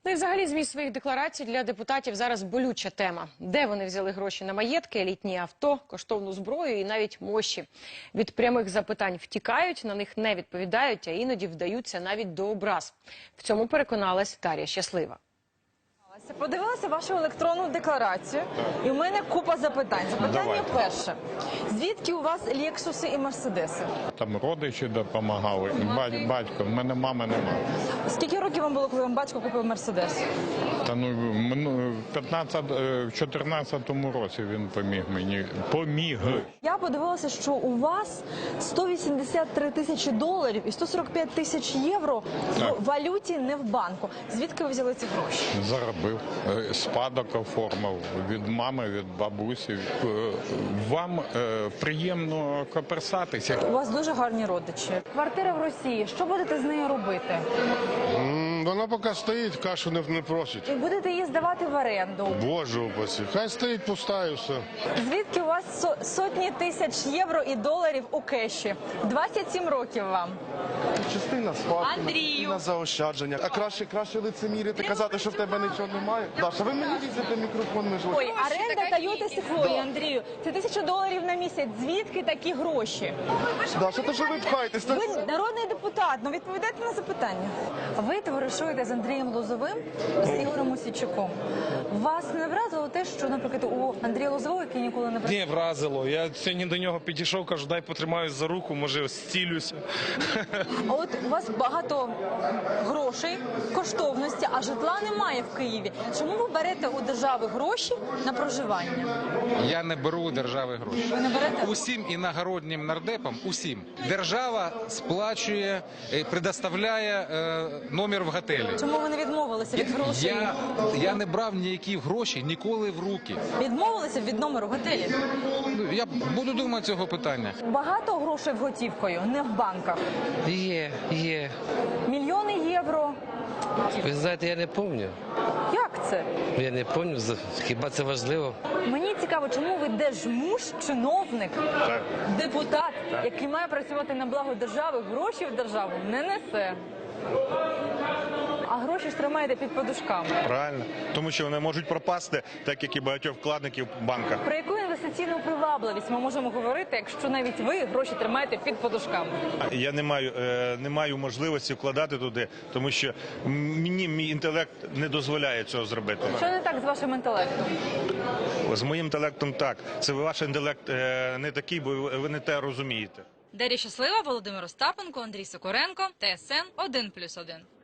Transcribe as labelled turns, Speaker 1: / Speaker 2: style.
Speaker 1: Ну і взагалі зміст своїх декларацій для депутатів зараз болюча тема. Де вони взяли гроші на маєтки, елітні авто, коштовну зброю і навіть мощі. Від прямих запитань втікають, на них не відповідають, а іноді вдаються навіть до образ. В цьому переконалась Дар'я Щаслива.
Speaker 2: Подивилася вашу електронну декларацію, і в мене купа запитань. Запитання перше. Звідки у вас Лексуси і Мерседеси?
Speaker 3: Там родичі допомагали, батько, в мене мами немає.
Speaker 2: Скільки років вам було, коли вам батько купив Мерседес?
Speaker 3: Та в 14-му році він поміг мені.
Speaker 2: Я подивилася, що у вас 183 тисячі доларів і 145 тисяч євро в валюті, не в банку. Звідки ви взяли ці гроші?
Speaker 3: Заробив, спадок оформив від мами, від бабусі. Вам приємно коперсатися.
Speaker 2: У вас дуже гарні родичі. Квартира в Росії. Що будете з нею робити?
Speaker 4: Вона поки стоїть, кашу не просить.
Speaker 2: І будете її здавати в оренду.
Speaker 4: Боже упаси. Хай стоїть пуста і все.
Speaker 2: Звідки у вас сотні тисяч євро і доларів у кеші? 27 років вам.
Speaker 5: Частина спадку, частина заощадження. А краще лицемірити, казати, що в тебе нічого немає. Даша, ви мені лізете мікрофон, ми ж...
Speaker 2: Ой, оренда Тойоти Секвойї, Андрію. Це 1000 доларів на місяць. Звідки такі гроші?
Speaker 5: Даша, то що ви пхаєтесь?
Speaker 2: Ви народний депутат, ну відповідайте на запитання. Ви товаришуєте з Андрієм Лозовим, з Ігорем Мосійчуком. Вас не вразило те, що, наприклад, у Андрія Лозового, який ніколи не працював?
Speaker 6: Не вразило. Я сьогодні до нього підійшов, кажу, дай потримаюсь за руку, може зцілюся.
Speaker 2: А от у вас багато грошей, коштовності, а житла немає в Києві. Чому ви берете у держави гроші на проживання?
Speaker 7: Я не беру у держави гроші.
Speaker 2: Ви не берете?
Speaker 7: Усім іногороднім нардепам, усім. Держава сплачує, предоставляє номер в готелі.
Speaker 2: Чому ви не відмовилися від грошей?
Speaker 7: Я не брав ніякі гроші ніколи в руки.
Speaker 2: Відмовилися від номеру в готелі?
Speaker 7: Я буду думати цього питання.
Speaker 2: Багато грошей готівкою, не в банках.
Speaker 8: Є.
Speaker 2: Мільйони євро.
Speaker 8: Ви знаєте, я не пам'ятаю.
Speaker 2: Як це?
Speaker 8: Я не пам'ятаю, хіба це важливо?
Speaker 2: Мені цікаво, чому ви держмуж, чиновник, депутат, який має працювати на благо держави, гроші в державу не несе. А гроші ж тримаєте під подушками.
Speaker 9: Правильно. Тому що вони можуть пропасти, так як і багатьох вкладників в банках.
Speaker 2: Про яку інвестиційну привабливість ми можемо говорити, якщо навіть ви гроші тримаєте під подушками?
Speaker 9: Я не маю можливості вкладати туди, тому що мій інтелект не дозволяє цього зробити.
Speaker 2: Що не так з вашим інтелектом?
Speaker 9: З моїм інтелектом так. Це ваш інтелект не такий, бо ви не те розумієте.
Speaker 10: Дар'я Щаслива, Володимир Остапенко, Андрій Сокоренко, ТСН 1+1.